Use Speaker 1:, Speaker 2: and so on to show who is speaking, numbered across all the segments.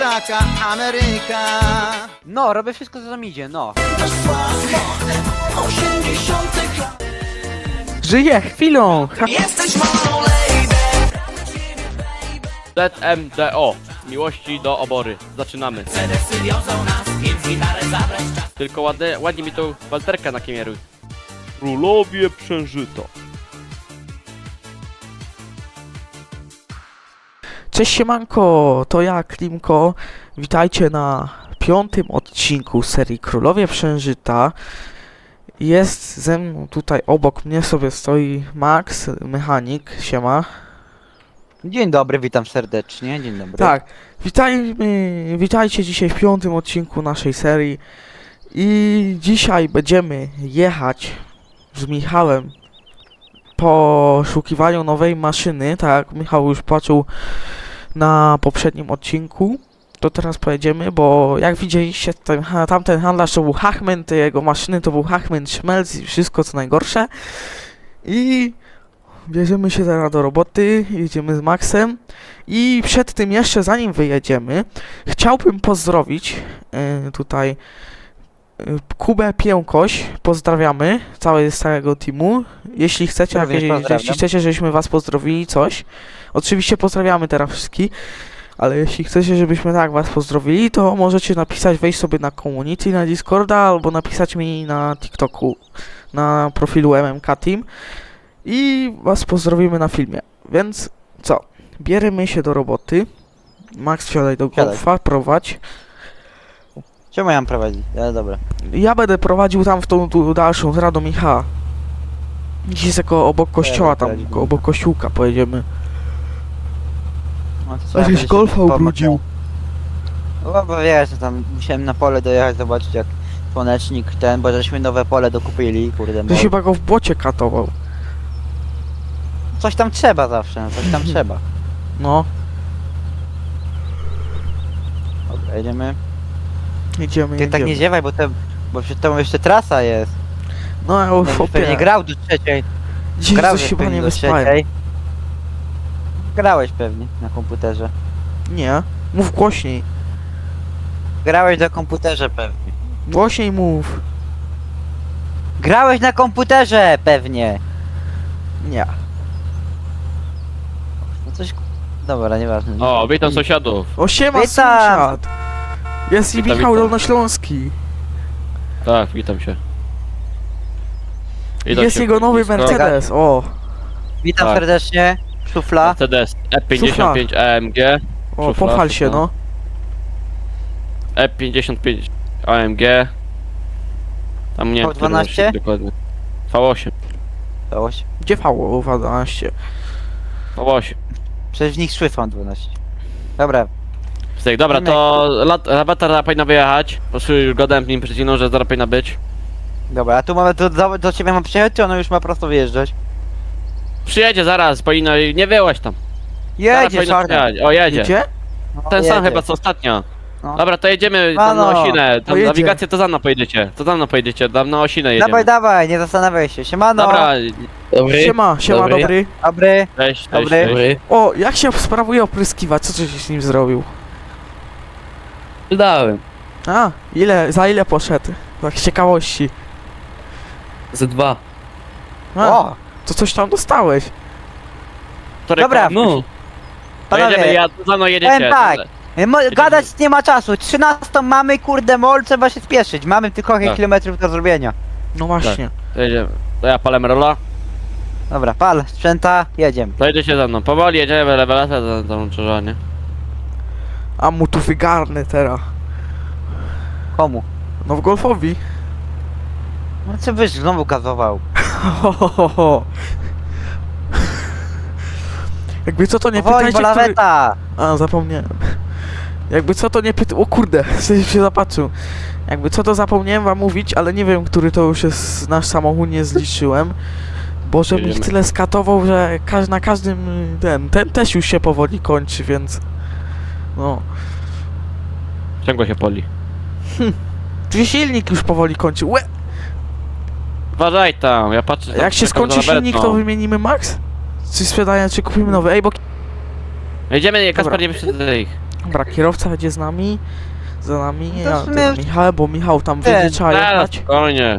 Speaker 1: Taka Ameryka.
Speaker 2: No, robię wszystko co tam idzie, no.
Speaker 3: Żyję chwilą!
Speaker 4: ZMDO. Miłości do obory. Zaczynamy. Tylko ładnie mi tą walterkę nakieruj. Królowie Przężyto.
Speaker 3: Cześć siemanko, to ja Klimko. Witajcie na 5. odcinku serii Królowie Przężyta. Jest ze mną tutaj obok mnie sobie stoi Max, mechanik, siema.
Speaker 2: Dzień dobry, witam serdecznie, dzień dobry.
Speaker 3: Tak, witajcie dzisiaj w 5. odcinku naszej serii. I dzisiaj będziemy jechać z Michałem po poszukiwaniu nowej maszyny. Tak, Michał już patrzył na poprzednim odcinku. To teraz pojedziemy, bo jak widzieliście, tamten handlarz to był Hachman, te jego maszyny to był Hachman Schmelz i wszystko co najgorsze. I bierzemy się teraz do roboty, jedziemy z Maxem. I przed tym jeszcze, zanim wyjedziemy, chciałbym pozdrowić tutaj Kubę Piękoś, pozdrawiamy z całego teamu. Jeśli chcecie, jeśli chcecie, żebyśmy was pozdrowili, coś, oczywiście pozdrawiamy teraz wszystkich, ale jeśli chcecie, żebyśmy tak was pozdrowili, to możecie napisać, wejść sobie na community, na Discorda, albo napisać mi na TikToku, na profilu MMK Team i was pozdrowimy na filmie. Więc co? Bierzemy się do roboty. Max, wsiadaj do golfa, prowadź.
Speaker 2: Czemu ja mam prowadzić? Ale dobra.
Speaker 3: Ja będę prowadził tam w tą dalszą, teraz do Michała. Gdzieś jest jako obok kościoła, tam obok kościółka pojedziemy.
Speaker 2: No, to co, ja
Speaker 3: Żeś
Speaker 2: będę
Speaker 3: golfa
Speaker 2: się
Speaker 3: ubrudził.
Speaker 2: No bo wiesz, tam musiałem na pole dojechać, zobaczyć jak słonecznik ten, bo żeśmy nowe pole dokupili, kurde.
Speaker 3: Ty chyba go w błocie katował.
Speaker 2: Coś tam trzeba zawsze, coś tam trzeba.
Speaker 3: No,
Speaker 2: Dobra, jedziemy.
Speaker 3: jedziemy,
Speaker 2: Ty tak nie
Speaker 3: jedziemy.
Speaker 2: ziewaj, bo przed tobą jeszcze trasa jest.
Speaker 3: No, ja już
Speaker 2: Będziesz pewnie
Speaker 3: opie.
Speaker 2: grał do trzeciej.
Speaker 3: Dziś
Speaker 2: Grałeś
Speaker 3: coś chyba
Speaker 2: pewnie
Speaker 3: nie
Speaker 2: do
Speaker 3: wyspałem.
Speaker 2: trzeciej. Grałeś pewnie na komputerze.
Speaker 3: Nie, mów głośniej.
Speaker 2: Grałeś na komputerze pewnie.
Speaker 3: Głośniej mów.
Speaker 2: Grałeś na komputerze pewnie.
Speaker 3: Nie.
Speaker 2: No coś... Dobra, nieważne.
Speaker 4: O, witam sąsiadów.
Speaker 3: O, siema
Speaker 2: Witam.
Speaker 3: sąsiad. Jest i
Speaker 4: Witam,
Speaker 3: Michał
Speaker 4: witam.
Speaker 3: Dolnośląski.
Speaker 4: Tak, witam się.
Speaker 3: Jest jego nowy
Speaker 4: blisko.
Speaker 3: Mercedes, o.
Speaker 2: Witam
Speaker 4: Tak.
Speaker 2: serdecznie. Szufla.
Speaker 4: Mercedes E55 AMG.
Speaker 3: O,
Speaker 4: Szufla,
Speaker 3: pochwal się,
Speaker 4: szufla.
Speaker 3: no.
Speaker 4: E55 AMG. Tam nie wiem, który
Speaker 2: V12?
Speaker 4: rocznik dokładnie. V8.
Speaker 2: Całość.
Speaker 3: Gdzie V12?
Speaker 4: V8.
Speaker 2: Przecież w nich szłyfą 12. Dobra.
Speaker 4: Styk, dobra, to laweta powinna wyjechać. Po prostu już gadałem z nim przed chwilą, że zaraz powinna być.
Speaker 2: Dobra, a tu mamy do ciebie mam przyjechać, czy ono już ma prosto wyjeżdżać?
Speaker 4: Przyjedzie zaraz, powinno, nie wyłaś tam. Zaraz
Speaker 2: Jedzie,
Speaker 4: powinno
Speaker 2: czarny.
Speaker 4: przyjechać. O, jedzie.
Speaker 3: Gdzie?
Speaker 2: No,
Speaker 4: Ten sam
Speaker 2: jedzie.
Speaker 4: chyba co ostatnio.
Speaker 2: No.
Speaker 4: Dobra, to jedziemy tam na
Speaker 2: Mano,
Speaker 4: Osinę. Tam
Speaker 3: jedzie.
Speaker 4: nawigację to za mną pojedziecie. To za mną pojedziecie, tam na Osinę jedziemy.
Speaker 2: Dawaj, dawaj, nie zastanawiaj się. Siemano.
Speaker 4: Dobra,
Speaker 3: Siema, siema,
Speaker 5: Dobry.
Speaker 3: dobry.
Speaker 2: Dobry.
Speaker 4: cześć, cześć,
Speaker 2: Dobry.
Speaker 4: cześć.
Speaker 3: O, jak się sprawuje opryskiwacz? Co żeś z nim zrobił?
Speaker 5: Wydałem.
Speaker 3: A, za ile poszedł? Tak z ciekawości.
Speaker 5: Ze 2.
Speaker 3: A,
Speaker 2: O,
Speaker 3: to coś tam dostałeś.
Speaker 4: To
Speaker 2: Dobra.
Speaker 4: rekord.
Speaker 5: No.
Speaker 4: To jedziemy,
Speaker 2: panowie.
Speaker 4: za mną jedziecie.
Speaker 2: Powiem tak. Gadać nie ma czasu. 13 mamy, kurde mol, trzeba się spieszyć. Mamy tylko kilka
Speaker 4: Tak.
Speaker 2: kilometrów do zrobienia.
Speaker 3: No właśnie.
Speaker 4: To jedziemy. To ja palę rola.
Speaker 2: Dobra, pal, sprzęta, jedziemy.
Speaker 4: To jedziecie za mną. Powoli jedziemy, rewelacja za tą krzyżanie.
Speaker 3: A mu tu wygarnę teraz.
Speaker 2: Komu?
Speaker 3: No w golfowi.
Speaker 2: No co byś znowu gazował?
Speaker 3: Jakby co to nie
Speaker 2: Powoli,
Speaker 3: pytajcie,
Speaker 2: bo
Speaker 3: który...
Speaker 2: laweta.
Speaker 3: A, zapomniałem. Jakby co to nie o kurde, sobie się zapatrzył. Jakby co to zapomniałem wam mówić, ale nie wiem, który to już jest nasz samochód, nie zliczyłem. Bo żebym ich
Speaker 4: Jedziemy.
Speaker 3: tyle skatował, że na każdym ten też już się powoli kończy, więc... No.
Speaker 4: Ciągle się poli.
Speaker 3: Czyli silnik już powoli kończy. Łe!
Speaker 4: Uważaj tam, ja patrzę.
Speaker 3: Jak się
Speaker 4: czekam za
Speaker 3: skończy silnik, to
Speaker 4: lawetą.
Speaker 3: wymienimy Max? Czy sprzedaję, czy kupimy nowy? Ej, bo...
Speaker 4: Jedziemy, nie,
Speaker 3: Dobra.
Speaker 4: Kaspar, nie wyszedł ich.
Speaker 3: Dobra, kierowca jedzie z nami. Za nami,
Speaker 2: No to
Speaker 3: ja
Speaker 2: w sumie-
Speaker 3: za Michałem, bo Michał tam
Speaker 2: Ten,
Speaker 3: będzie trzeba
Speaker 4: Teraz,
Speaker 3: jechać.
Speaker 4: spokojnie.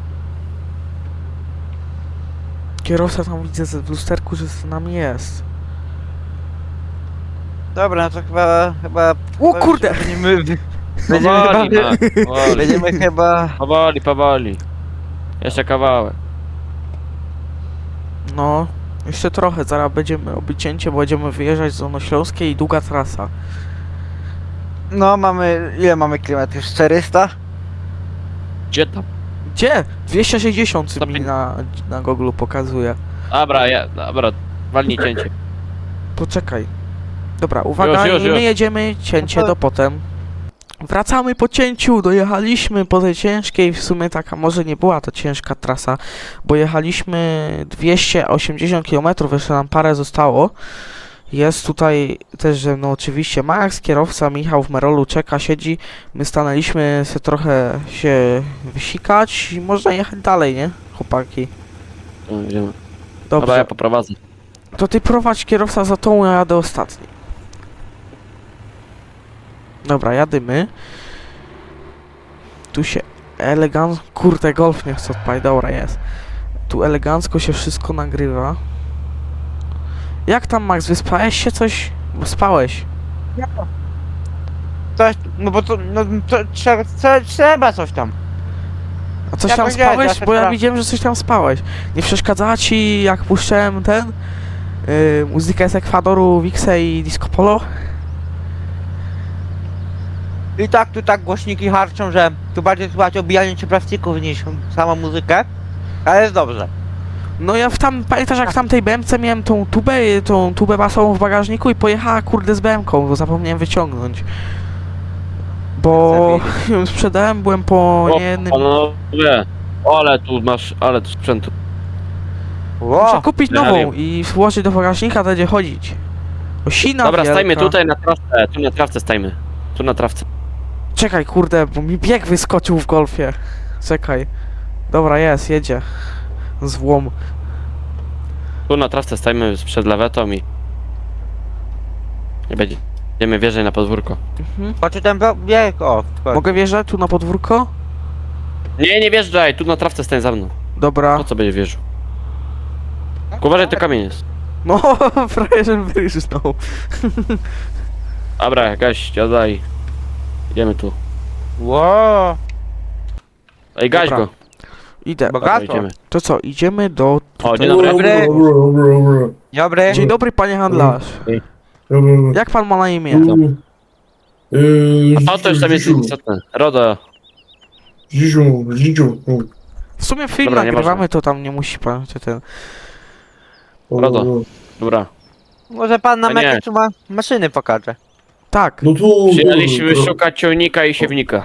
Speaker 3: Kierowca tam widzę w lusterku, że z nami jest.
Speaker 2: Dobra, no to chyba...
Speaker 3: O kurde!
Speaker 2: Będziemy
Speaker 4: Powoli,
Speaker 2: chyba...
Speaker 4: Max, powoli.
Speaker 2: Będziemy chyba...
Speaker 4: Powoli. Jeszcze kawałek.
Speaker 3: No, jeszcze trochę, zaraz będziemy robić cięcie, bo będziemy wyjeżdżać z Dolnośląskiej i długa trasa.
Speaker 2: No mamy... Ile mamy kilometrów? 400?
Speaker 4: Gdzie tam?
Speaker 3: Gdzie? 260 mi
Speaker 4: 150.
Speaker 3: na Google pokazuje.
Speaker 4: Dobra, walnij cięcie.
Speaker 3: Poczekaj. Dobra, uwaga,
Speaker 4: Już.
Speaker 3: i my jedziemy cięcie
Speaker 2: No to-
Speaker 3: do potem. Wracamy po cięciu, dojechaliśmy po tej ciężkiej, w sumie taka może nie była to ciężka trasa, bo jechaliśmy 280 km, jeszcze nam parę zostało. Jest tutaj też ze mną oczywiście Max, kierowca, Michał w Merolu czeka, siedzi. My stanęliśmy sobie trochę się wysikać i można jechać dalej, nie? Chłopaki.
Speaker 4: No, idziemy. Dobra,
Speaker 3: Dobrze,
Speaker 4: ja poprowadzę.
Speaker 3: to ty prowadź kierowca za tą, ja jadę ostatni. Dobra, jadymy. Tu się elegancko... Kurde, golf nie chce odpalić, dobra jest. Tu elegancko się wszystko nagrywa. Jak tam, Max, wyspałeś się coś? Bo spałeś.
Speaker 2: Coś... No bo to... No to trzeba coś tam.
Speaker 3: A coś
Speaker 2: Ja
Speaker 3: tam
Speaker 2: powiedziałem,
Speaker 3: spałeś?
Speaker 2: ja się
Speaker 3: Bo ja
Speaker 2: spra-
Speaker 3: widziałem, że coś tam spałeś. Nie przeszkadzała ci, jak puszczałem ten... muzykę z Ekwadoru, Wixę i Disco Polo?
Speaker 2: I tak tu tak głośniki harczą, że tu bardziej słychać obijanie się plastików niż samą muzykę. Ale jest dobrze.
Speaker 3: No ja pamiętasz jak w tamtej BM-ce miałem tą tubę basową w bagażniku i pojechała kurde z BM-ką, bo zapomniałem wyciągnąć. Bo ją sprzedałem, byłem po niejednym...
Speaker 4: Panowie, ale tu sprzętu.
Speaker 3: Muszę kupić nową
Speaker 4: Realium.
Speaker 3: i włożyć do bagażnika, to będzie chodzić. Osina
Speaker 4: Dobra,
Speaker 3: wielka.
Speaker 4: stajmy tutaj na trawce, tu na trawce stajmy. Tu na trawce.
Speaker 3: Czekaj kurde, bo mi bieg wyskoczył w golfie. Czekaj. Dobra, jedzie. Złom.
Speaker 4: Tu na trawce stajmy przed lawetą i... Nie będziemy wjeżdżać na podwórko.
Speaker 3: Mhm.
Speaker 2: Patrzę ten bieg, o.
Speaker 3: Mogę wjeżdżać tu na podwórko?
Speaker 4: Nie wjeżdżaj, tu na trawce stań za mną.
Speaker 3: Dobra.
Speaker 4: Po co będzie wjeżdżał? Uważaj, to kamień jest.
Speaker 3: No, prawie żebym wyryżnął.
Speaker 4: Dobra, gaś, daj. Idziemy tu.
Speaker 2: Ło.
Speaker 4: Ej, gaś
Speaker 3: Dobra.
Speaker 4: go.
Speaker 3: Idę.
Speaker 4: Dobra,
Speaker 2: Bogato.
Speaker 4: idziemy.
Speaker 3: To co, idziemy do...
Speaker 4: O, dzień
Speaker 2: Dobry.
Speaker 4: dobry.
Speaker 2: Dobry.
Speaker 3: Dzień dobry panie handlarz. Jak pan ma na imię?
Speaker 4: A to już tam jest istotne. Rodo.
Speaker 5: Zisiu.
Speaker 3: W sumie film
Speaker 4: Dobra,
Speaker 3: nagrywamy,
Speaker 4: nieważne.
Speaker 3: to tam nie musi pan czy ten...
Speaker 4: Rodo. Dobra.
Speaker 2: Może pan nam
Speaker 4: A nie.
Speaker 2: jakieś tu ma maszyny pokaże.
Speaker 3: Tak.
Speaker 5: No to...
Speaker 4: Przyjechaliśmy szukać ciągnika i siewnika.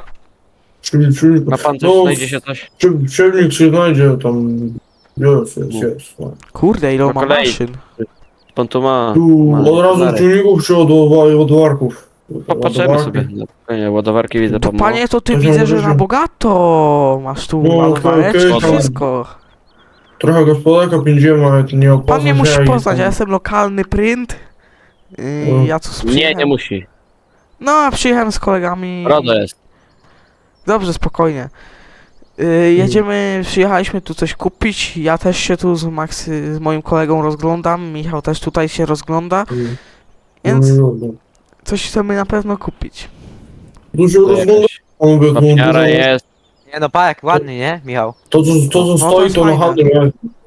Speaker 4: Ma pan coś,
Speaker 5: No,
Speaker 4: znajdzie się coś?
Speaker 5: Ciemnik się znajdzie tam... Jest.
Speaker 3: Kurde, ile on
Speaker 4: Po
Speaker 3: ma
Speaker 4: kolei.
Speaker 3: maszyn.
Speaker 4: Pan tu ma...
Speaker 5: Tu
Speaker 4: ma
Speaker 5: od razu
Speaker 4: ładowarek.
Speaker 5: ciągników czy ładowarków?
Speaker 4: Popatrzymy
Speaker 5: Ładowarki.
Speaker 4: sobie. Nie, ładowarki widzę
Speaker 3: To
Speaker 4: pan
Speaker 3: panie, to ty
Speaker 5: To
Speaker 3: widzę,
Speaker 5: są
Speaker 3: że
Speaker 5: duże.
Speaker 3: na bogato masz tu
Speaker 5: No,
Speaker 3: ładowareczki,
Speaker 5: okej,
Speaker 3: wszystko.
Speaker 5: Trochę gospodarka pędziemy, ale to nie opłaca
Speaker 3: Pan mnie
Speaker 5: się
Speaker 3: musi
Speaker 5: i
Speaker 3: poznać, ja
Speaker 5: tam-
Speaker 3: jestem lokalny print.
Speaker 5: No.
Speaker 3: Ja tu
Speaker 4: Nie,
Speaker 3: przyjechałem.
Speaker 4: nie musi.
Speaker 3: No, a przyjechałem z kolegami.
Speaker 4: Rodo jest.
Speaker 3: Dobrze, spokojnie. Przyjechaliśmy tu coś kupić. Ja też się tu z moim kolegą rozglądam. Michał też tutaj się rozgląda. Więc coś chcemy na pewno kupić.
Speaker 5: Tu się rozgląda,
Speaker 4: Jakaś
Speaker 5: mówię, no,
Speaker 4: Papiara
Speaker 5: dużo-
Speaker 4: jest.
Speaker 2: Nie no, park ładny, nie, Michał?
Speaker 5: To co
Speaker 3: No, to
Speaker 5: stoi,
Speaker 3: jest
Speaker 5: to na
Speaker 3: fajne.
Speaker 5: handel, nie?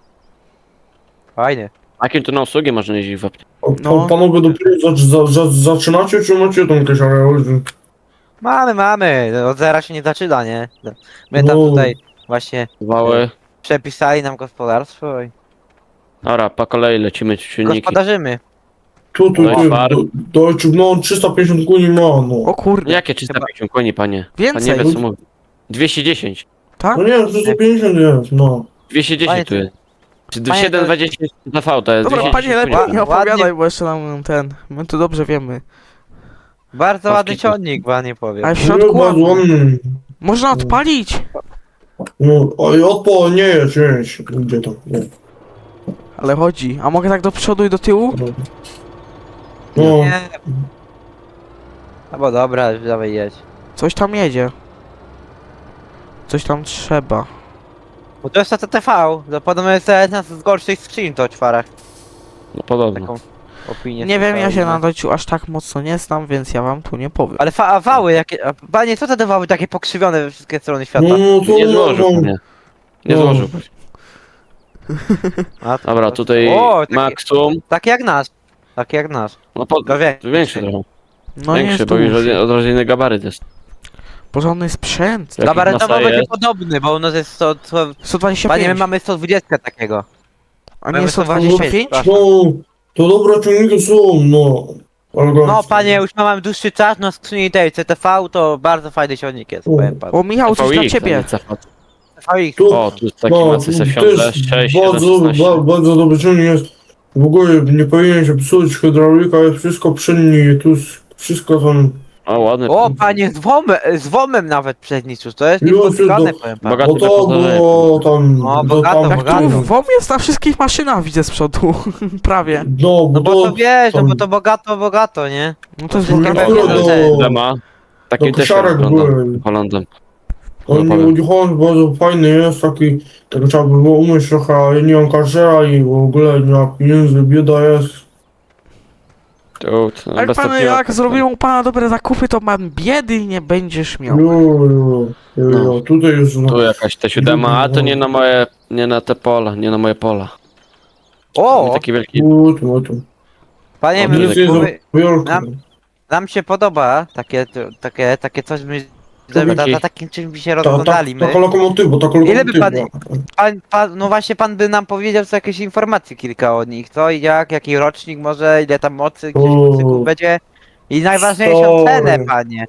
Speaker 2: Fajny.
Speaker 4: Jakim tu na usługi można jeździć w aptece?
Speaker 3: No.
Speaker 5: Panowie dopiero zaczynacie, czy macie tam jakieś areały?
Speaker 2: Mamy. Od zera się nie zaczyna, nie? My tam
Speaker 5: No.
Speaker 2: tutaj właśnie
Speaker 4: Wały.
Speaker 2: przepisali nam gospodarstwo i
Speaker 4: Dobra, po kolei lecimy silniki.
Speaker 2: gospodarzymy.
Speaker 5: Tu,
Speaker 4: Ładowark.
Speaker 5: no 350 koni ma, no.
Speaker 3: O kurde,
Speaker 4: Jakie 350 koni, panie? Pan
Speaker 3: więcej,
Speaker 4: nie wie co mówi. 210.
Speaker 3: tak?
Speaker 5: No nie, 350 jest, no.
Speaker 4: 210
Speaker 2: Panie,
Speaker 4: tu jest. Czy
Speaker 2: panie,
Speaker 4: 720 TV to jest
Speaker 3: Dobra,
Speaker 4: 210
Speaker 3: panie, lepiej
Speaker 4: koni.
Speaker 3: nie
Speaker 2: Ładnie.
Speaker 3: opowiadaj, bo jeszcze nam my tu dobrze wiemy.
Speaker 2: Bardzo
Speaker 4: Owki
Speaker 2: ładny
Speaker 4: tu.
Speaker 2: ciągnik, panie powiem.
Speaker 3: Ale w
Speaker 5: No,
Speaker 3: środku
Speaker 5: bardzo
Speaker 3: ładny.
Speaker 5: ładny.
Speaker 3: Można odpalić,
Speaker 5: No, a i odpał nie jest, gdzie tam, nie.
Speaker 3: ale chodzi. A mogę tak do przodu i do tyłu?
Speaker 5: No,
Speaker 2: Nie, Albo dobra, dawaj jedź.
Speaker 3: Coś tam jedzie. Coś tam trzeba.
Speaker 2: Bo to jest TTV, to podobno jest jedna z gorszych skrzyń to czwarach.
Speaker 4: No podobno.
Speaker 2: Taką opinię.
Speaker 3: Nie wiem, ja się
Speaker 2: słyszałem,
Speaker 3: na
Speaker 2: no.
Speaker 3: Dojciu aż tak mocno nie znam, więc ja wam tu nie powiem.
Speaker 2: Ale a wały jakie... Panie, co te wały takie pokrzywione we wszystkie strony świata?
Speaker 5: No to
Speaker 4: Nie złożył
Speaker 5: no,
Speaker 4: mnie. Nie
Speaker 5: No.
Speaker 4: złożył.
Speaker 2: A,
Speaker 4: Dobra, tutaj
Speaker 2: O, takie-
Speaker 4: Maxum.
Speaker 2: Takie jak nasz. Takie jak nasz.
Speaker 4: No po...
Speaker 2: No wie.
Speaker 4: Większy trochę.
Speaker 3: No
Speaker 4: Większy,
Speaker 3: jest
Speaker 4: bo już
Speaker 3: duży.
Speaker 4: odrodziny gabaryt jest.
Speaker 3: Porządny sprzęt.
Speaker 4: Jaki
Speaker 2: Gabarytowo
Speaker 4: masa
Speaker 2: będzie
Speaker 4: jest?
Speaker 2: podobny, bo u nas jest
Speaker 3: 125.
Speaker 2: Panie, my mamy 120 takiego.
Speaker 3: A
Speaker 2: mamy
Speaker 3: nie
Speaker 2: 125?
Speaker 3: 125?
Speaker 5: no, to dobre ciągniki są, no. Eleganckie.
Speaker 2: No panie, już mamy dłuższy czas na skrzyni tej CTV, to bardzo fajny silnik jest,
Speaker 5: U.
Speaker 2: powiem panu.
Speaker 3: O Michał, coś dla
Speaker 4: VX, a
Speaker 3: ciebie.
Speaker 4: nie CFA.
Speaker 2: CVX.
Speaker 5: Tu,
Speaker 4: O, tu jest taki
Speaker 5: no,
Speaker 4: Macy
Speaker 5: też
Speaker 4: Sefion 6,
Speaker 5: bardzo,
Speaker 4: 716.
Speaker 5: bardzo dobry ciągnik jest. W ogóle nie powinien się psuć, hydraulika jest wszystko przy niej, tu jest wszystko tam.
Speaker 4: O, ładny.
Speaker 2: O panie, z WOM-em nawet przedniczył, to jest
Speaker 5: Już
Speaker 2: niespotykane,
Speaker 5: do-
Speaker 2: powiem panu.
Speaker 4: Bogaty
Speaker 5: Bo to
Speaker 4: zapoznaje.
Speaker 5: było tam.
Speaker 2: No,
Speaker 5: to
Speaker 2: bogato,
Speaker 5: tam,
Speaker 3: Jak
Speaker 2: bogato.
Speaker 3: tu WOM jest na wszystkich maszynach, widzę z przodu. Prawie.
Speaker 5: No,
Speaker 2: No
Speaker 5: bo
Speaker 2: bo to wiesz, no
Speaker 5: tam-
Speaker 2: bo to bogato, nie?
Speaker 3: No to jest
Speaker 2: Nie
Speaker 3: bogato.
Speaker 2: wiem,
Speaker 5: do,
Speaker 4: Dema. Taki
Speaker 5: do
Speaker 4: też
Speaker 5: kosiarek
Speaker 4: wygląda
Speaker 5: były.
Speaker 4: Holandem.
Speaker 5: On
Speaker 4: powiem.
Speaker 5: Unicron bardzo fajny jest, taki, tak trzeba by było umyć trochę, ale nie mam kaszera i w ogóle nie ma pieniędzy, bieda jest.
Speaker 4: Tu, no,
Speaker 3: Jak
Speaker 4: bez
Speaker 3: pan,
Speaker 4: takiego-
Speaker 3: jak zrobią u pana dobre zakupy, to mam biedy nie będziesz miał.
Speaker 5: Jo, tutaj jest, no.
Speaker 4: Tu jakaś T7, a to nie na moje, nie na te pola, nie na moje pola.
Speaker 2: O,
Speaker 4: Taki wielki.
Speaker 5: Tu.
Speaker 2: panie,
Speaker 4: O,
Speaker 2: my,
Speaker 4: nie
Speaker 5: Nic jest
Speaker 2: my,
Speaker 5: wielki.
Speaker 2: nam się podoba takie coś, my za takim czymś by się rozglądali my.
Speaker 5: Taka lokomotywa, taka
Speaker 2: Ile
Speaker 5: lokomotywa.
Speaker 2: by no właśnie pan by nam powiedział co jakieś informacje kilka o nich, co i jak, jaki rocznik może, ile tam mocy, gdzieś
Speaker 5: O.
Speaker 2: mocyków będzie i najważniejszą
Speaker 5: Stary.
Speaker 2: cenę, panie.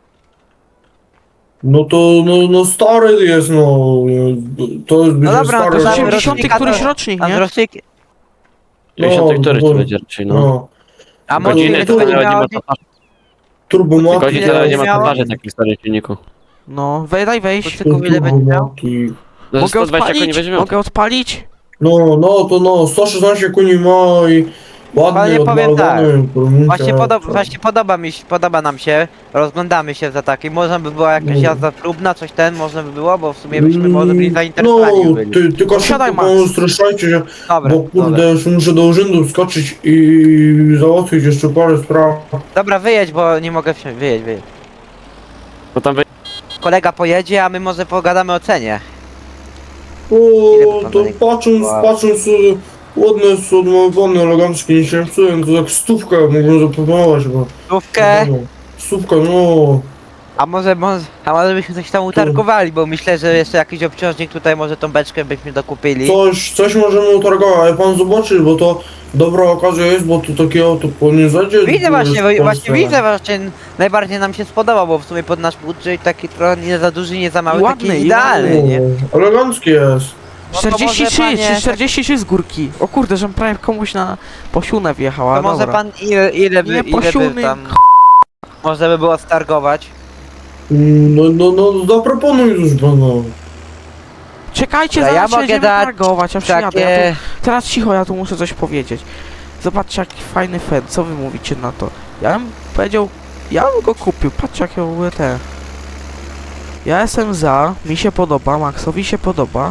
Speaker 5: No to, no stary jest, no. To jest
Speaker 2: No dobra,
Speaker 5: stary.
Speaker 2: to
Speaker 3: To
Speaker 2: damy
Speaker 3: jest 80
Speaker 2: rocznika,
Speaker 3: któryś
Speaker 2: to-
Speaker 3: rocznik,
Speaker 2: A z
Speaker 3: nie?
Speaker 2: rocznik,
Speaker 4: 50 który
Speaker 5: to-
Speaker 4: to będzie raczej, no.
Speaker 5: No.
Speaker 2: a może
Speaker 4: Godziny
Speaker 2: ile
Speaker 4: to
Speaker 2: to
Speaker 4: nawet
Speaker 2: będzie
Speaker 4: nie ma
Speaker 2: miało?
Speaker 4: tatuaży.
Speaker 5: Turbomaty.
Speaker 4: Godziny
Speaker 2: ile
Speaker 4: to nie ma
Speaker 2: miało?
Speaker 4: tatuaży takich starych silników.
Speaker 3: No, daj wejść.
Speaker 2: Kucyków ile będzie miał?
Speaker 5: Turbomaki.
Speaker 4: No
Speaker 3: Mogę
Speaker 4: 120 koni
Speaker 3: odpalić?
Speaker 4: weźmiemy.
Speaker 3: Mogę odpalić?
Speaker 5: No, 116 koni ma i ładny,
Speaker 2: Panie, powiem tak.
Speaker 5: odmalowany.
Speaker 2: Właśnie podoba nam się, rozglądamy się za takim, można by była jakaś
Speaker 5: No.
Speaker 2: jazda próbna, coś można by było, bo w sumie byśmy może byli zainteresowani
Speaker 5: No,
Speaker 2: byli.
Speaker 5: tylko
Speaker 3: Siadaj,
Speaker 5: szybko,
Speaker 3: Max.
Speaker 5: bo streszczajcie się,
Speaker 2: Dobra,
Speaker 5: bo kurde,
Speaker 2: dobra.
Speaker 5: już muszę do urzędu skoczyć i załatwić jeszcze parę spraw.
Speaker 2: Dobra, wyjedź, bo nie mogę wsiąść, wyjedź.
Speaker 4: No tam
Speaker 2: Kolega pojedzie, a my może pogadamy o cenie.
Speaker 5: O,
Speaker 2: Ile by
Speaker 5: to
Speaker 2: pan
Speaker 5: patrząc, ładne jest odmalowane, eleganckie, nie się psują, to tak stówkę mogłem zaproponować, bo...
Speaker 2: Stówkę,
Speaker 5: Stówkę, no...
Speaker 2: a może byśmy coś tam utargowali, bo myślę, że jeszcze jakiś obciążnik tutaj, może tą beczkę byśmy dokupili.
Speaker 5: Coś możemy utargować, ale pan zobaczy, bo to dobra okazja jest, bo to takie auto po nie zajdzie.
Speaker 2: Widzę właśnie,
Speaker 5: w Polsce.
Speaker 2: właśnie, najbardziej nam się spodobał, bo w sumie pod nasz budżet taki trochę nie za duży, nie za mały,
Speaker 3: I ładny,
Speaker 2: taki
Speaker 3: i
Speaker 2: idealny, nie?
Speaker 5: O, elegancki jest.
Speaker 2: No to może
Speaker 3: 43,
Speaker 2: panie-
Speaker 3: czy 43 z górki. O kurde, żem prawie komuś na posiłnę wjechała,
Speaker 2: To może
Speaker 3: dobra.
Speaker 2: pan ile by
Speaker 3: Posiłny,
Speaker 2: tam można by było stargować?
Speaker 5: No, zaproponuj już panu.
Speaker 3: Czekajcie,
Speaker 2: Ja
Speaker 3: zaraz
Speaker 2: mogę
Speaker 3: jedziemy
Speaker 2: dać
Speaker 3: targować, aż jadę. Ja
Speaker 2: Takie...
Speaker 3: tu, teraz cicho, ja tu muszę coś powiedzieć. Zobaczcie jaki fajny fen, co wy mówicie na to? Ja bym powiedział, ja bym go kupił, patrzcie jakie w ogóle te. Ja jestem za, mi się podoba, Maxowi się podoba.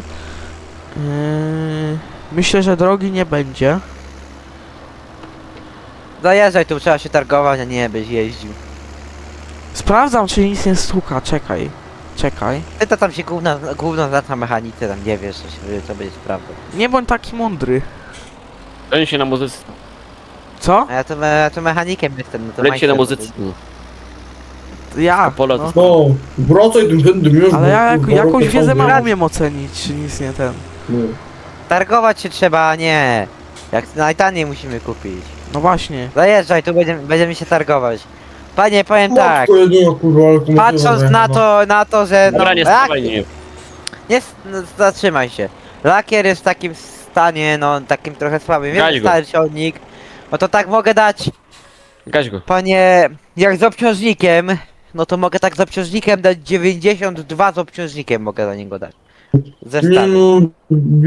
Speaker 3: Myślę, że drogi nie będzie.
Speaker 2: Zajeżdżaj tu, trzeba się targować, a nie byś jeździł.
Speaker 3: Sprawdzam, czy nic nie stuka, czekaj. Czekaj.
Speaker 2: Ty to tam się gówno znasz na mechanice, tam nie wiesz, co będzie prawdą.
Speaker 3: Nie bądź taki mądry.
Speaker 4: leci się na muzyce.
Speaker 3: Co?
Speaker 2: A ja to mechanikiem jestem, no to
Speaker 4: Leci się na
Speaker 2: majster.
Speaker 4: muzyce. No.
Speaker 3: Ja.
Speaker 4: Apollo
Speaker 3: No.
Speaker 5: No, wracaj tym pędem już.
Speaker 3: Ale
Speaker 5: bo
Speaker 3: ja
Speaker 5: kurwa,
Speaker 3: jakąś
Speaker 5: rokę
Speaker 3: wiedzę
Speaker 5: sobie-
Speaker 3: mam, umiem ocenić, czy nic nie ten.
Speaker 5: No.
Speaker 2: Targować się trzeba, a nie. Jak najtaniej musimy kupić.
Speaker 3: No właśnie.
Speaker 2: Zajeżdżaj, tu będziemy się targować. Panie, powiem tak.
Speaker 5: Matko jedyna, kurwa, ale komuś
Speaker 2: Patrząc
Speaker 5: nie
Speaker 2: na to, że no,
Speaker 4: Dobra, nie stawaj, nie.
Speaker 2: no, zatrzymaj się. Lakier jest w takim stanie, no takim trochę słabym,
Speaker 4: Gaś
Speaker 2: więc
Speaker 4: go.
Speaker 2: stary ciągnik. No to tak mogę dać,
Speaker 4: Gaś go.
Speaker 2: panie, jak z obciążnikiem, no to mogę tak z obciążnikiem dać 92 z obciążnikiem mogę za niego dać. Ze
Speaker 5: Nie
Speaker 2: stanu.
Speaker 5: no,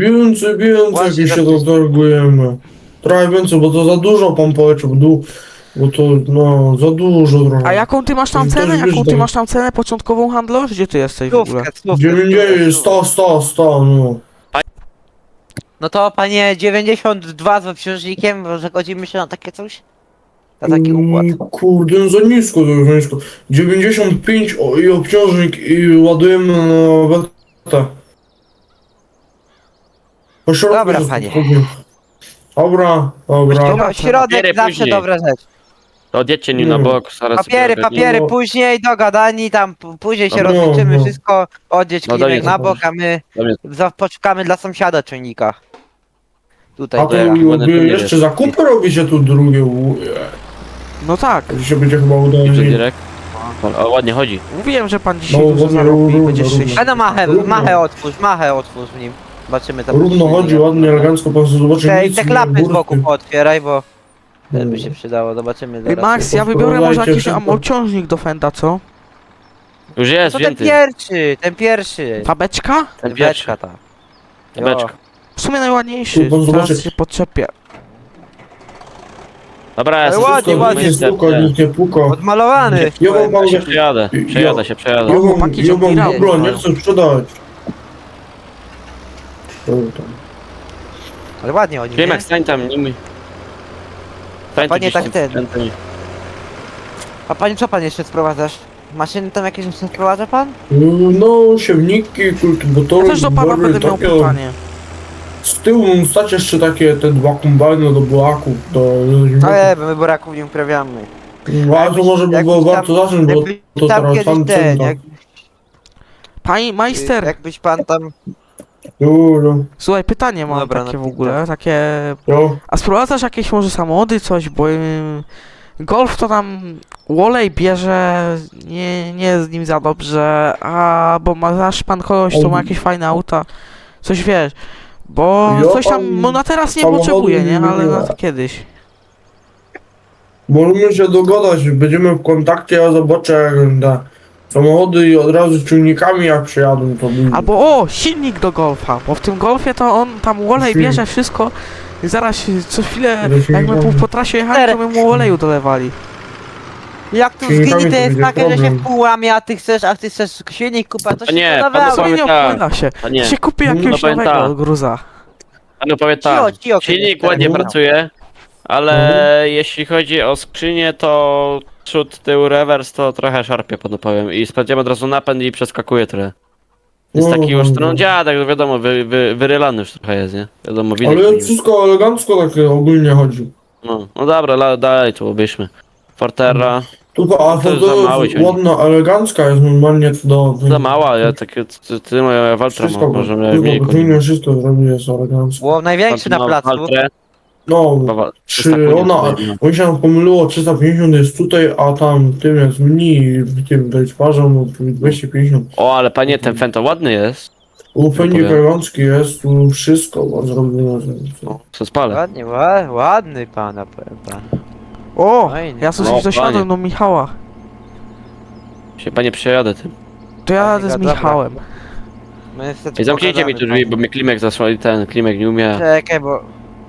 Speaker 5: więcej
Speaker 2: Właśnie
Speaker 5: jak się
Speaker 2: tak-
Speaker 5: to targujemy. Trochę więcej, bo to za dużo pan poleciał, bo Bo to, no, za dużo trochę.
Speaker 3: A jaką ty masz tam
Speaker 5: To
Speaker 3: cenę?
Speaker 5: też wiesz,
Speaker 3: Jaką ty
Speaker 5: tak.
Speaker 3: masz tam cenę początkową handlarz? Gdzie ty jesteś w ogóle?
Speaker 2: Stówkę,
Speaker 5: 90, 100, no.
Speaker 2: No to panie 92 z obciążnikiem, może godzimy się na takie coś? Na taki układ.
Speaker 5: Kurde, no za nisko to jest, za nisko. 95 i obciążnik i ładujemy na betę. Po środku
Speaker 2: Dobra,
Speaker 5: jest
Speaker 2: panie.
Speaker 5: spokojnie. Dobra.
Speaker 2: Środek
Speaker 4: Papiery
Speaker 2: zawsze
Speaker 4: później.
Speaker 2: dobra rzecz.
Speaker 4: To odjedźcie nim na bok, zaraz
Speaker 2: Papiery,
Speaker 4: sobie
Speaker 2: papiery,
Speaker 5: No.
Speaker 2: później dogadani, tam później się
Speaker 5: No,
Speaker 2: rozliczymy,
Speaker 5: no.
Speaker 2: wszystko, odjedź
Speaker 4: No
Speaker 2: klimek
Speaker 4: dobra,
Speaker 2: na bok, a my
Speaker 4: Dobra.
Speaker 2: poczekamy dla sąsiada czujnika. Tutaj,
Speaker 5: A to
Speaker 2: teraz.
Speaker 4: ładne
Speaker 5: wy
Speaker 4: to nie
Speaker 5: jeszcze
Speaker 4: jest.
Speaker 5: zakupy robicie tu drugie.
Speaker 3: No tak.
Speaker 5: To się będzie chyba udało.
Speaker 4: Idzie direkt. O, ładnie chodzi.
Speaker 3: Mówiłem, że pan dzisiaj
Speaker 5: No,
Speaker 3: dużo
Speaker 5: równo,
Speaker 3: zarobi i
Speaker 5: równo,
Speaker 3: będzie
Speaker 5: równo.
Speaker 3: szczęśliwy.
Speaker 2: A no machę otwórz w nim. Zobaczymy tam.
Speaker 5: Równo chodzi, ładnie, elegancko, pan sobie zobaczy
Speaker 2: Te,
Speaker 5: nic
Speaker 2: te
Speaker 5: nie
Speaker 2: klapy z
Speaker 5: burty.
Speaker 2: boku pootwieraj, bo też by się przydało, zobaczymy
Speaker 3: Ej,
Speaker 2: zaraz.
Speaker 3: Max, ja wybiorę może
Speaker 5: Podprowadzajcie
Speaker 3: jakiś
Speaker 5: szybko.
Speaker 3: obciążnik do Fenda, co?
Speaker 4: Już jest,
Speaker 2: No ten
Speaker 4: wzięty.
Speaker 2: pierwszy.
Speaker 3: Ta beczka?
Speaker 4: Ten pierwszy.
Speaker 2: Beczka ta.
Speaker 4: Beczka.
Speaker 3: W sumie najładniejszy.
Speaker 5: Tu pan
Speaker 3: Teraz
Speaker 5: zobaczy.
Speaker 3: się podczepię.
Speaker 4: Dobra, ja
Speaker 2: Ale
Speaker 4: sobie
Speaker 2: ładnie,
Speaker 5: Wszystko,
Speaker 2: ładnie.
Speaker 5: nic nie stuka, nic nie puka.
Speaker 2: Odmalowany.
Speaker 5: Ja wam pan
Speaker 4: się przejadę, przejadę.
Speaker 5: Ja
Speaker 3: chłopaki
Speaker 5: wam
Speaker 3: ciągli
Speaker 5: w ogóle
Speaker 3: ramy.
Speaker 5: nie chcę sprzedać.
Speaker 2: Ale ładnie oni, nie?
Speaker 4: Klimek, stań tam, nie mi. Stań tu
Speaker 2: Panie,
Speaker 4: gdzieś
Speaker 2: tak
Speaker 4: tam,
Speaker 2: ten.
Speaker 4: stań tu.
Speaker 2: A pani co pan jeszcze sprowadzasz? Maszyny tam jakieś sprowadza pan?
Speaker 5: No, siewniki, kultywatory,
Speaker 3: Ja też do pana
Speaker 5: zbory,
Speaker 3: będę miał
Speaker 5: takie.
Speaker 3: pytanie.
Speaker 5: Z tyłu stać jeszcze takie te dwa kombajny do buraków, do
Speaker 2: Ale my buraków nie uprawiamy.
Speaker 5: Ale to może by było
Speaker 2: jakbyś
Speaker 5: warto
Speaker 2: tam-
Speaker 5: zacząć, bo
Speaker 2: Jakbyś
Speaker 5: to
Speaker 2: tam
Speaker 5: teraz
Speaker 2: kiedyś
Speaker 5: sam
Speaker 2: ten,
Speaker 5: cena.
Speaker 3: Pani majster,
Speaker 2: jakbyś pan tam...
Speaker 5: Dobra,
Speaker 3: słuchaj, pytanie mam
Speaker 2: Dobra,
Speaker 3: takie w
Speaker 2: no,
Speaker 3: ogóle, takie...
Speaker 5: jo.
Speaker 3: A sprowadzasz jakieś może samochody, coś, bo Golf to tam Wolej bierze, nie jest z nim za dobrze, a bo znasz pan kogoś, co ma jakieś fajne auta, coś wiesz, bo
Speaker 5: Ja
Speaker 3: coś tam,
Speaker 5: tam
Speaker 3: no na teraz nie
Speaker 5: samochody
Speaker 3: potrzebuje, nie,
Speaker 5: nie
Speaker 3: ale
Speaker 5: lubię.
Speaker 3: na to kiedyś.
Speaker 5: Możemy się dogadać, będziemy w kontakcie, ja zobaczę jak te samochody i od razu z ciągnikami jak przyjadą, to będzie.
Speaker 3: Albo o, silnik do Golfa, bo w tym Golfie to on tam Wolej
Speaker 5: Silnik.
Speaker 3: bierze wszystko i zaraz co chwilę,
Speaker 5: Do
Speaker 3: jak my
Speaker 5: silnika.
Speaker 3: po trasie jechali, to my mu oleju dolewali.
Speaker 2: Jak tu
Speaker 5: Silnikami
Speaker 2: zginie, to
Speaker 5: to
Speaker 2: jest
Speaker 5: będzie
Speaker 2: takie, że się
Speaker 5: problem.
Speaker 2: w pół łamie, a ty chcesz silnik kupa, to
Speaker 4: A
Speaker 2: się
Speaker 4: nie,
Speaker 2: to
Speaker 4: pan
Speaker 2: dawało.
Speaker 4: Powiem
Speaker 3: Nie
Speaker 4: tak.
Speaker 3: opłyna się.
Speaker 4: A nie,
Speaker 3: Się kupi
Speaker 5: No
Speaker 3: jakiegoś
Speaker 4: powiem
Speaker 3: nowego
Speaker 4: tak.
Speaker 3: gruza.
Speaker 4: Panu powiem tak.
Speaker 2: Cio,
Speaker 4: Silnik
Speaker 2: kiedyś
Speaker 4: ładnie
Speaker 2: temu.
Speaker 4: pracuje, ale jeśli chodzi o skrzynię, to przód, tył, rewers to trochę szarpie, panu powiem. I sprawdziłem od razu napęd i przeskakuje trochę. Jest taki już, no dziadek, wiadomo, wyrylany już trochę jest, nie? Wiadomo, widać. po
Speaker 5: Ale
Speaker 4: nim.
Speaker 5: wszystko elegancko takie ogólnie chodzi.
Speaker 4: No dobra, daj tu, obejrzmy. Forterra,
Speaker 5: Tylko, a
Speaker 4: To
Speaker 5: to
Speaker 4: za mały
Speaker 5: jest
Speaker 4: ciągnik.
Speaker 5: ładna, elegancka jest normalnie do...
Speaker 4: za mała, ja takie, ty moja Waltra
Speaker 5: Wszystko,
Speaker 4: możemy
Speaker 5: tylko
Speaker 4: mniej
Speaker 5: podwójnie
Speaker 4: koni.
Speaker 5: wszystko zrobi, jest elegancko.
Speaker 2: Było największy na placu.
Speaker 5: No, oni się nam pomyliło, 350 jest tutaj, a tam tym jest mniej, w tym dajczparzem 250.
Speaker 4: O, ale panie, ten Fento ładny jest.
Speaker 5: U Fendzik
Speaker 4: powiem.
Speaker 5: elegancki jest, tu wszystko ma zrobione.
Speaker 4: Co spalę.
Speaker 2: Ładnie, ładny pana, powiem pan.
Speaker 3: O,
Speaker 2: Fajnie.
Speaker 3: ja coś
Speaker 4: No,
Speaker 3: dosiadłem
Speaker 4: panie.
Speaker 3: do Michała.
Speaker 4: Się panie przejadę tym.
Speaker 3: To ja jadę z
Speaker 2: Dobra.
Speaker 3: Michałem.
Speaker 2: My niestety
Speaker 4: Ej, zamknijcie mi tu
Speaker 2: pogadamy,
Speaker 4: drzwi, bo mnie Klimek zasłoni, ten Klimek nie umie.
Speaker 2: Czekaj, bo...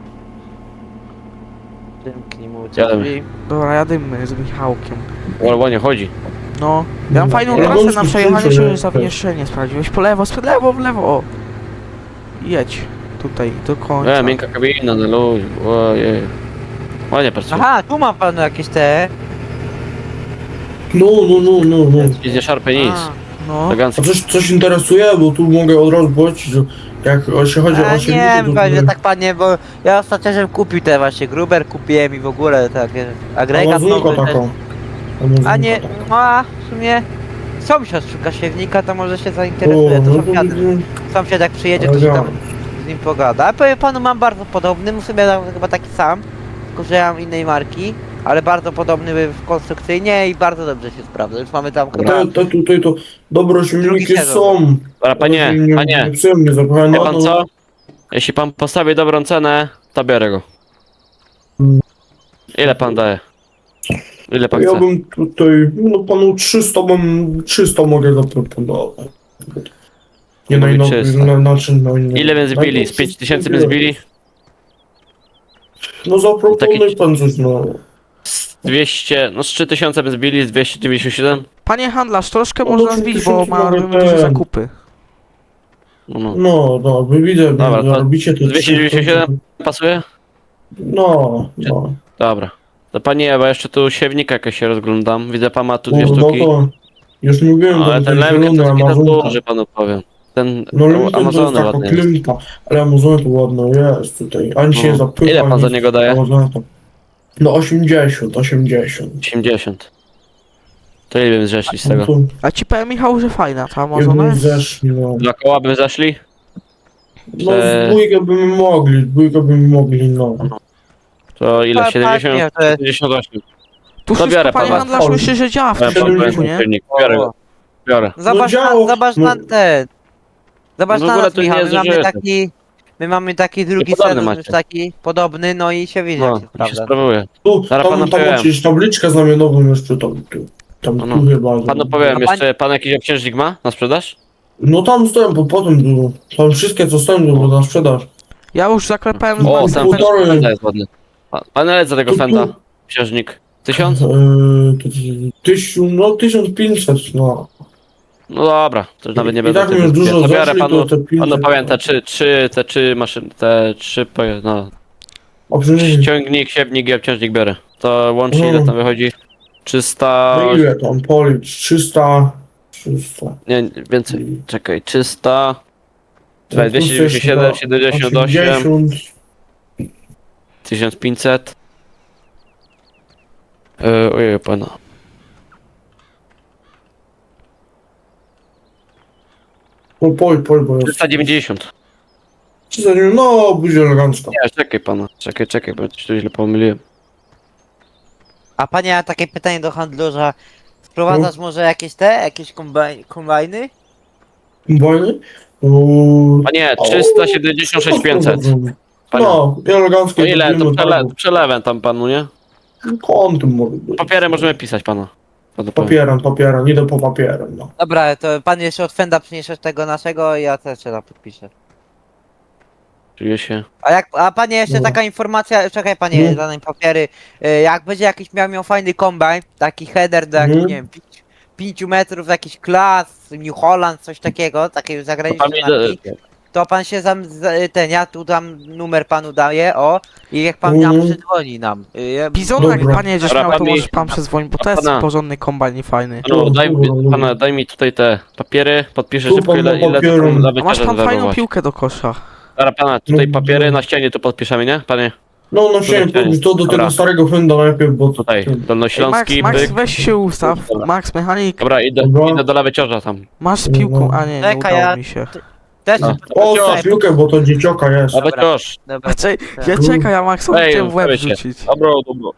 Speaker 2: Przymknij mu te
Speaker 4: Jademy.
Speaker 2: drzwi.
Speaker 3: Dobra, jadymy z Michałkiem.
Speaker 4: Ładnie chodzi.
Speaker 3: No, ja mam fajną
Speaker 5: Ja
Speaker 3: trasę
Speaker 5: wąski
Speaker 3: na przejechanie
Speaker 5: skrócie,
Speaker 3: się,
Speaker 5: nie?
Speaker 3: że jeszcze nie sprawdziłeś. Po lewo, w lewo, o. Jedź. Tutaj, do końca.
Speaker 4: Miękka kabina, na ludzi. Ojej. Ładnie pracuje.
Speaker 2: Aha, tu ma pan jakieś te...
Speaker 5: No.
Speaker 4: Nic nie szarpie nic.
Speaker 3: No,
Speaker 5: A
Speaker 4: Elegancko.
Speaker 5: coś interesuje, bo tu mogę od razu powiedzieć, że jak się chodzi
Speaker 2: A
Speaker 5: o
Speaker 2: nie
Speaker 5: silniki,
Speaker 2: wiem,
Speaker 5: to
Speaker 2: panie,
Speaker 5: tutaj
Speaker 2: tak panie, bo ja ostatnio żebym kupił te właśnie Gruber kupiłem i w ogóle takie agregat
Speaker 5: Amazonka
Speaker 2: nowy
Speaker 5: taka.
Speaker 2: też. A nie, no a w sumie sąsiad szuka siewnika, to może się zainteresuje, to sąsiad jak przyjedzie, to się tam z nim pogada. A powiem panu, mam bardzo podobny, w sumie chyba taki sam, tylko że ja mam innej marki, ale bardzo podobny konstrukcyjnie i bardzo dobrze się sprawdza. Już mamy tam chyba...
Speaker 5: Tutaj to dobre silniki
Speaker 2: sezon.
Speaker 5: są.
Speaker 4: Dobra, panie,
Speaker 5: Nie przyjemnie zapychane.
Speaker 4: wie pan co? Jeśli pan postawi dobrą cenę, to biorę go.
Speaker 5: Mm.
Speaker 4: Ile pan daje? Ile pan
Speaker 5: Ja
Speaker 4: chce?
Speaker 5: bym tutaj, no panu 300 mogę zaproponować. Nie
Speaker 4: Mówi
Speaker 5: najnowszy,
Speaker 4: 300.
Speaker 5: na czym na innym.
Speaker 4: Ile bym zbili? Z 5000 bym zbili?
Speaker 5: No zaproponuj pan coś, no.
Speaker 4: 200, no z 3000 by zbili, z 297.
Speaker 3: Panie handlarz, troszkę
Speaker 5: No
Speaker 3: można
Speaker 5: to
Speaker 3: zbić, bo
Speaker 5: 3000
Speaker 3: robimy
Speaker 5: mogę
Speaker 3: duże
Speaker 5: ten.
Speaker 3: zakupy.
Speaker 4: No.
Speaker 5: No, wy widzę,
Speaker 4: Dobra, to
Speaker 5: robicie to
Speaker 4: 297 pasuje?
Speaker 5: No.
Speaker 4: Dobra. To panie, bo jeszcze tu siewnika jakieś się rozglądam. Widzę pan ma tu dwie
Speaker 5: No
Speaker 4: sztuki.
Speaker 5: to już mówiłem,
Speaker 4: Ale
Speaker 5: że
Speaker 4: ten
Speaker 5: ten
Speaker 4: Lemken to
Speaker 5: zielony
Speaker 4: jest taki
Speaker 5: Amazonka.
Speaker 4: duży, panu powiem. Ten
Speaker 5: No Lemken to jest
Speaker 4: Amazony
Speaker 5: taka
Speaker 4: ładny jest.
Speaker 5: klimka, ale Amazony to ładno jest tutaj. Ani się
Speaker 4: No.
Speaker 5: nie zapycha.
Speaker 4: Ile pan za
Speaker 5: nic.
Speaker 4: niego daje?
Speaker 5: Amazony to- No 80.
Speaker 4: 80. To ile bym zeszli z
Speaker 5: No
Speaker 4: tego?
Speaker 5: tu
Speaker 3: A ci powiem, Michał, że fajna ta
Speaker 5: jakby
Speaker 3: Amazona jest.
Speaker 5: zeszli, no.
Speaker 4: 2 koła by zeszli?
Speaker 5: No z dwójkę by mogli, no.
Speaker 4: To ile?
Speaker 2: Pa-
Speaker 4: 70?
Speaker 2: panie, to jest-
Speaker 4: 78.
Speaker 3: Tu
Speaker 4: To biorę
Speaker 3: wszystko, panie
Speaker 4: pana.
Speaker 3: handlarz, myślę, że działa w
Speaker 4: Ja
Speaker 3: tym
Speaker 4: pan powiem
Speaker 3: silniku, nie?
Speaker 4: silnik. Biorę go. Biorę.
Speaker 2: Zobacz,
Speaker 5: działo,
Speaker 2: zobacz
Speaker 5: no.
Speaker 2: na ten. Zobacz
Speaker 4: No w
Speaker 2: na
Speaker 4: ogóle
Speaker 2: nas,
Speaker 4: to nie
Speaker 2: Michał,
Speaker 4: jest
Speaker 2: my mamy
Speaker 4: zużyte.
Speaker 2: taki... My mamy taki drugi
Speaker 4: podobny
Speaker 2: sezon,
Speaker 4: macie.
Speaker 2: już taki podobny, no i się widzi, jak
Speaker 4: No,
Speaker 2: się
Speaker 4: i się
Speaker 2: sprawdza.
Speaker 4: sprawuje.
Speaker 5: Tu,
Speaker 4: Zaraz pana
Speaker 5: tam
Speaker 4: powiem.
Speaker 5: macie tabliczkę znamionową jeszcze tam,
Speaker 4: No.
Speaker 5: tu chyba.
Speaker 4: Panu powiem,
Speaker 2: A
Speaker 4: jeszcze pan jakiś obciężnik ma na sprzedaż?
Speaker 5: No tam stoją, bo potem było. Tam wszystkie co stoją było na sprzedaż.
Speaker 3: Ja już zaklepałem z
Speaker 4: O,
Speaker 3: Maxem.
Speaker 4: ten
Speaker 5: półtorej.
Speaker 4: fenda jest ładny. Pan ile za tego
Speaker 5: Tu-
Speaker 4: fenda?
Speaker 5: tu-
Speaker 4: Obciężnik? 1000?
Speaker 5: No 1500, no.
Speaker 4: No dobra, to już nawet nie
Speaker 5: I
Speaker 4: będę
Speaker 5: tak
Speaker 4: tego
Speaker 5: już dużo
Speaker 4: zbierał. To biorę
Speaker 5: zeszli,
Speaker 4: panu,
Speaker 5: to te 500.
Speaker 4: panu powiem te trzy maszyny, no.
Speaker 5: A przynajmniej,
Speaker 4: Ciągnik, siewnik i obciążnik biorę. To łącznie ile
Speaker 5: Mhm.
Speaker 4: tam wychodzi? 300...
Speaker 5: no ile tam policz? 300.
Speaker 4: Nie, więcej. Czekaj, 300...
Speaker 5: No, plus
Speaker 4: 297,
Speaker 5: jeszcze
Speaker 4: 78,
Speaker 5: 80.
Speaker 4: 1500. Ojej, pana.
Speaker 5: No pol, bo jest.
Speaker 4: 390.
Speaker 5: 300, no będzie elegancko.
Speaker 4: Nie, czekaj pana. Czekaj, bo coś tu źle pomyliłem.
Speaker 2: A panie, ja takie pytanie do handlarza. Wprowadzasz może jakieś kombajny?
Speaker 5: Wojny?
Speaker 4: A nie, 376 500. Panie.
Speaker 5: No, elegancko.
Speaker 4: To ile? To
Speaker 5: zrobimy,
Speaker 4: przelewem tam panu, nie?
Speaker 5: tak. Kątem może być.
Speaker 4: Papierem możemy pisać pana. Panu powiem.
Speaker 5: Papierem, idę po papierem, no.
Speaker 2: Dobra, to pan jeszcze od Fenda przyniesiesz tego naszego i ja też się tam podpiszę.
Speaker 4: Czuję się.
Speaker 2: A panie, jeszcze
Speaker 5: Dobra.
Speaker 2: taka informacja, czekaj panie,
Speaker 5: No.
Speaker 2: dane papiery. Jak będzie jakiś miał fajny kombajn, taki header do jakichś,
Speaker 5: Mhm.
Speaker 2: nie wiem, 5 metrów, jakiś klas, New Holland, coś takiego, takiej zagranicznej marki, to pan się ja tu tam numer panu daję, o, i jak pan nam
Speaker 5: Mhm.
Speaker 2: przydzwoni nam.
Speaker 3: Bizona, jak
Speaker 5: Dobra.
Speaker 3: panie będziesz
Speaker 4: Dobra,
Speaker 3: miał, to
Speaker 4: pan mi-
Speaker 3: możesz pan przezwonić, bo to jest
Speaker 4: pana.
Speaker 3: porządny kombajn i fajny.
Speaker 4: No,
Speaker 5: Dobra.
Speaker 4: pana, daj mi tutaj te papiery, podpiszę
Speaker 5: Tu
Speaker 4: szybko
Speaker 5: pan ma
Speaker 4: ile to
Speaker 5: papiery.
Speaker 4: tam za
Speaker 3: A masz
Speaker 4: wycieraż
Speaker 3: pan fajną
Speaker 4: zwerbować.
Speaker 3: piłkę do kosza.
Speaker 4: Dobra pana, tutaj
Speaker 5: No,
Speaker 4: papiery
Speaker 5: no.
Speaker 4: na ścianie tu podpiszemy, nie? Panie,
Speaker 5: No, no chciałem
Speaker 4: Tutaj.
Speaker 5: powiedzieć to do
Speaker 4: Dobra.
Speaker 5: tego starego Fenda najpierw, bo...
Speaker 4: tutaj,
Speaker 3: Ej, Max,
Speaker 4: dolnośląski,
Speaker 3: Max,
Speaker 4: byk.
Speaker 3: weź się ustaw.
Speaker 4: Dobra.
Speaker 3: Max, mechanik,
Speaker 4: Dobra,
Speaker 5: Dobra.
Speaker 4: idę do lewej ciorza tam.
Speaker 3: masz z piłką,
Speaker 5: No.
Speaker 3: a nie
Speaker 2: Czekaj,
Speaker 3: udało
Speaker 2: ja-
Speaker 3: mi się.
Speaker 2: Też
Speaker 4: No.
Speaker 5: O,
Speaker 4: Ciorz.
Speaker 5: za piłkę, bo to dziecioka jest.
Speaker 4: Lewy
Speaker 2: Dobra.
Speaker 4: ciorz.
Speaker 2: Dobra.
Speaker 3: A ja czekaj, ja Maxowi
Speaker 4: Ej,
Speaker 3: chciałem w łeb
Speaker 4: ustawię się.
Speaker 3: rzucić.
Speaker 4: Dobra, dobra.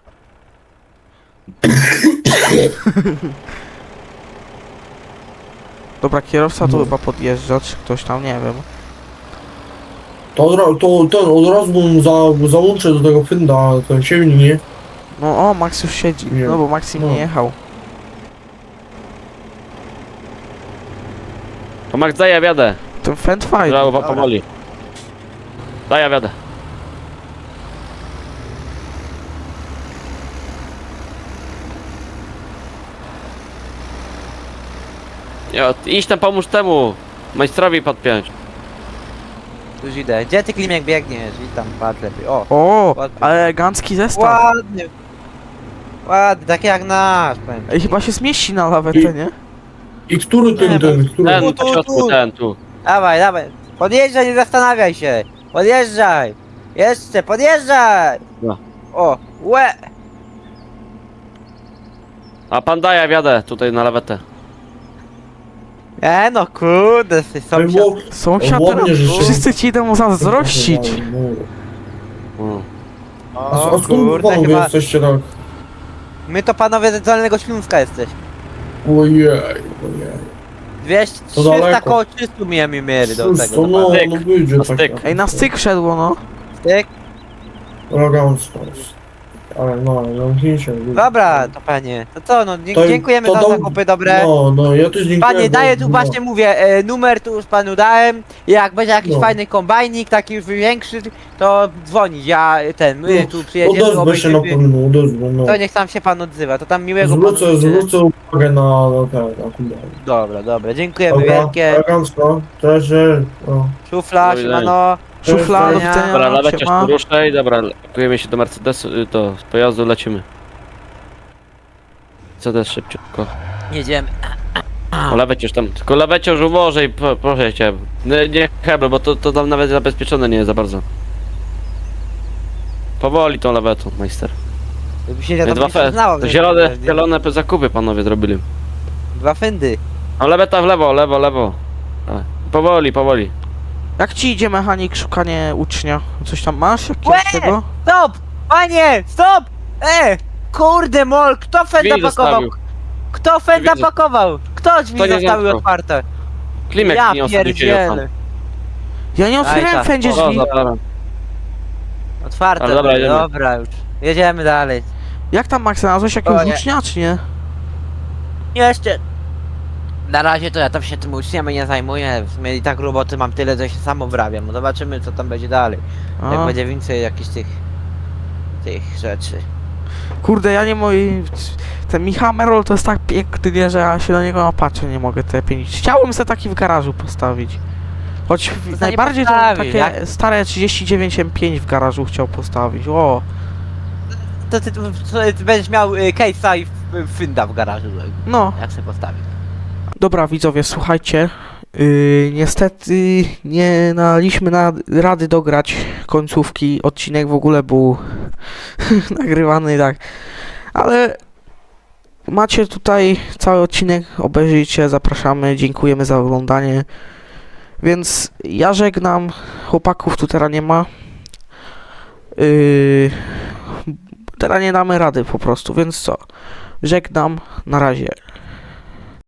Speaker 3: Dobra, kierowca tu
Speaker 5: No.
Speaker 3: chyba podjeżdża, czy ktoś tam, nie wiem.
Speaker 5: To od razu bym załączę do tego Fenda ten siewnik, nie?
Speaker 3: No o, Max już siedzi,
Speaker 5: Nie.
Speaker 3: no bo Max im
Speaker 5: No.
Speaker 3: nie jechał.
Speaker 4: To Max, daj ja wiadę.
Speaker 3: Ten fend fajny.
Speaker 4: Żałowa powoli. Daj ja wiadę. Idź tam pomóż temu majstrowi podpiąć.
Speaker 2: Już idę. Gdzie ty Klimek biegniesz? Witam, patrz lepiej. O,
Speaker 3: O,
Speaker 2: ładnie.
Speaker 3: elegancki zestaw.
Speaker 2: Ładny. Ładny, taki jak nasz, powiem.
Speaker 3: Ej, chyba się zmieści na lawetę, nie?
Speaker 5: I który
Speaker 2: Nie,
Speaker 5: który?
Speaker 4: Ten,
Speaker 2: Tu,
Speaker 4: na środku, ten, tu.
Speaker 2: Dawaj, dawaj. Podjeżdżaj, nie zastanawiaj się. Podjeżdżaj. Jeszcze, podjeżdżaj.
Speaker 4: No.
Speaker 2: O, łe.
Speaker 4: A pan daj ja wiadę tutaj na lawetę.
Speaker 2: No kurde, ty
Speaker 5: Ej,
Speaker 2: sąsiad.
Speaker 5: bo-
Speaker 3: Sąsiad,
Speaker 5: ładnie, że się-
Speaker 3: wszyscy ci idą zazdrościć.
Speaker 4: Mm.
Speaker 5: A
Speaker 2: O
Speaker 5: skąd
Speaker 2: kurde,
Speaker 5: panowie
Speaker 2: chyba.
Speaker 5: jesteście tak?
Speaker 2: My to panowie z Dolnego Śląska jesteś.
Speaker 5: Ojej.
Speaker 2: 200,
Speaker 5: To
Speaker 2: 300
Speaker 5: daleko.
Speaker 2: koło 300 mieli do tego.
Speaker 5: To
Speaker 2: Do
Speaker 5: no,
Speaker 4: Styk.
Speaker 5: no wyjdzie
Speaker 4: Na
Speaker 5: tak.
Speaker 4: styk.
Speaker 3: Ej, na styk szedło, no.
Speaker 2: Tyk.
Speaker 5: Elegancko jest. ale no, zamknijcie.
Speaker 2: Dobra, to panie. To co, no
Speaker 5: To-
Speaker 2: dziękujemy
Speaker 5: to
Speaker 2: za
Speaker 5: do-
Speaker 2: zakupy dobre.
Speaker 5: No, ja też dziękuję.
Speaker 2: Panie, daję tu
Speaker 5: no.
Speaker 2: właśnie mówię, numer tu już panu dałem. Jak będzie jakiś
Speaker 5: No.
Speaker 2: fajny kombajnik, taki już większy, to dzwonić. My
Speaker 5: No,
Speaker 2: tu przyjedziemy,
Speaker 5: Odezwę się na pewno, odezwę, no.
Speaker 2: to niech tam się pan odzywa, to tam miłego panu życzę.
Speaker 5: Zwrócę uwagę na kumbę.
Speaker 2: Dobra, dziękujemy wielkie.
Speaker 5: elegancko, cześć, no.
Speaker 2: Szufla,
Speaker 4: Do widzenia.
Speaker 2: siemano.
Speaker 3: Szufla, do
Speaker 2: widzenia.
Speaker 4: Dobra,
Speaker 3: widzenia,
Speaker 4: leweciarz
Speaker 3: siema.
Speaker 4: poruszaj, dobra, pakujemy się do Mercedesu, z pojazdu lecimy. Mercedes szybciutko.
Speaker 2: Jedziemy.
Speaker 4: O, leweciarz tam, tylko leweciarz uważaj, proszę cię. Nie hebel, bo to tam nawet zabezpieczone nie jest za bardzo. Powoli tą lewetą, majster.
Speaker 2: Jakby się ja
Speaker 4: Nie,
Speaker 2: tam nie przyznałem,
Speaker 4: to
Speaker 2: że-
Speaker 4: zielone zakupy panowie zrobili.
Speaker 2: Dwa fyndy.
Speaker 4: A leweta w lewo, lewo. Dawaj. Powoli.
Speaker 3: Jak ci idzie mechanik, szukanie ucznia? Coś tam masz?
Speaker 2: Łe!
Speaker 3: Jakiegoś tego?
Speaker 2: Stop! Panie, stop! Kurde mol, kto fenda
Speaker 4: Drzwi
Speaker 2: pakował?
Speaker 4: zostawił.
Speaker 2: Kto fenda
Speaker 4: Drzwi-
Speaker 2: pakował? Kto drzwi
Speaker 4: Kto nie
Speaker 2: zostawił
Speaker 4: zamknął?
Speaker 2: otwarte?
Speaker 4: Klimek
Speaker 2: Ja
Speaker 4: nie ostatnio się jechał.
Speaker 2: pierdzielę.
Speaker 3: Ja nie otwierałem
Speaker 2: tak,
Speaker 3: wszędzie
Speaker 2: o,
Speaker 3: drzwi.
Speaker 4: Dobra.
Speaker 2: Otwarte,
Speaker 4: Ale dobra,
Speaker 2: były,
Speaker 4: jedziemy.
Speaker 2: dobra już. Jedziemy dalej.
Speaker 3: Jak tam, Max, znalazłeś jakiegoś
Speaker 2: O, nie.
Speaker 3: ucznia, czy nie?
Speaker 2: Jeszcze. Na razie to ja tam się tym uczniem nie zajmuję. W sumie i tak roboty mam tyle, że się sam obrabiam. No zobaczymy co tam będzie dalej. Jak
Speaker 3: A,
Speaker 2: będzie więcej jakichś tych rzeczy.
Speaker 3: kurde, ja nie moi... Ten Michał Merol to jest tak piękny, nie, że ja się na niego napatrzę, nie mogę te pieniądze. Chciałbym sobie taki w garażu postawić. Choć
Speaker 2: nie
Speaker 3: najbardziej to
Speaker 2: postawisz,
Speaker 3: takie
Speaker 2: jak-
Speaker 3: stare 39 M5 w garażu chciał postawić. O,
Speaker 2: To ty będziesz miał case'a i fynda w garażu.
Speaker 3: no.
Speaker 2: Jak sobie postawić.
Speaker 3: Dobra, widzowie, słuchajcie. Niestety nie daliśmy rady dograć końcówki. Odcinek w ogóle był nagrywany tak. Ale macie tutaj cały odcinek, obejrzyjcie, zapraszamy, dziękujemy za oglądanie. Więc ja żegnam, chłopaków tu teraz nie ma. Teraz nie damy rady po prostu, więc co? Żegnam, na razie.